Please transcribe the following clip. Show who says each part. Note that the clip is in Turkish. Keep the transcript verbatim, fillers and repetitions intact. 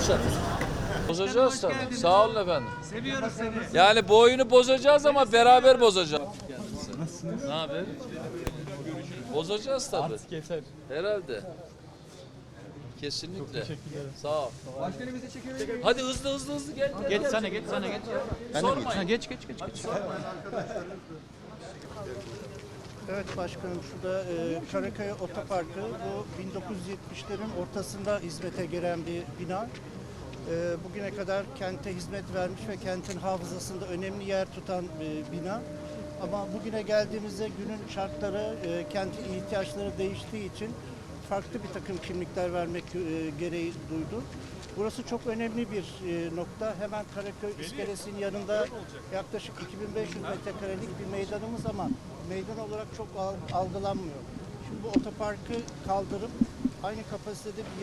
Speaker 1: Bozacağız. Bozacağız tabii. Sağ olun efendim.
Speaker 2: Seviyoruz seni.
Speaker 1: Yani bu oyunu bozacağız ama beraber bozacağız. Ne haber? Bozacağız tabii.
Speaker 3: Artık yeter.
Speaker 1: Herhalde. Kesinlikle.
Speaker 3: Teşekkürler.
Speaker 1: Sağ ol. Hadi hızlı hızlı hızlı gel. gel,
Speaker 2: Geç
Speaker 1: gel.
Speaker 2: sana geç sana geç.
Speaker 1: Sormayın.
Speaker 2: Ha, geç geç geç geç.
Speaker 4: Evet başkanım, şurada e, Karakaya Otoparkı, bu bin dokuz yüz yetmişlerin ortasında hizmete giren bir bina. E, bugüne kadar kente hizmet vermiş ve kentin hafızasında önemli yer tutan bir bina. Ama bugüne geldiğimizde günün şartları, e, kentin ihtiyaçları değiştiği için farklı bir takım kimlikler vermek e, gereği duydu. Burası çok önemli bir e, nokta. Hemen Karaköy İskelesi'nin yanında yaklaşık iki bin beş yüz metrekarelik bir meydanımız ama meydan olarak çok al- algılanmıyor. Şimdi bu otoparkı kaldırıp aynı kapasitede bir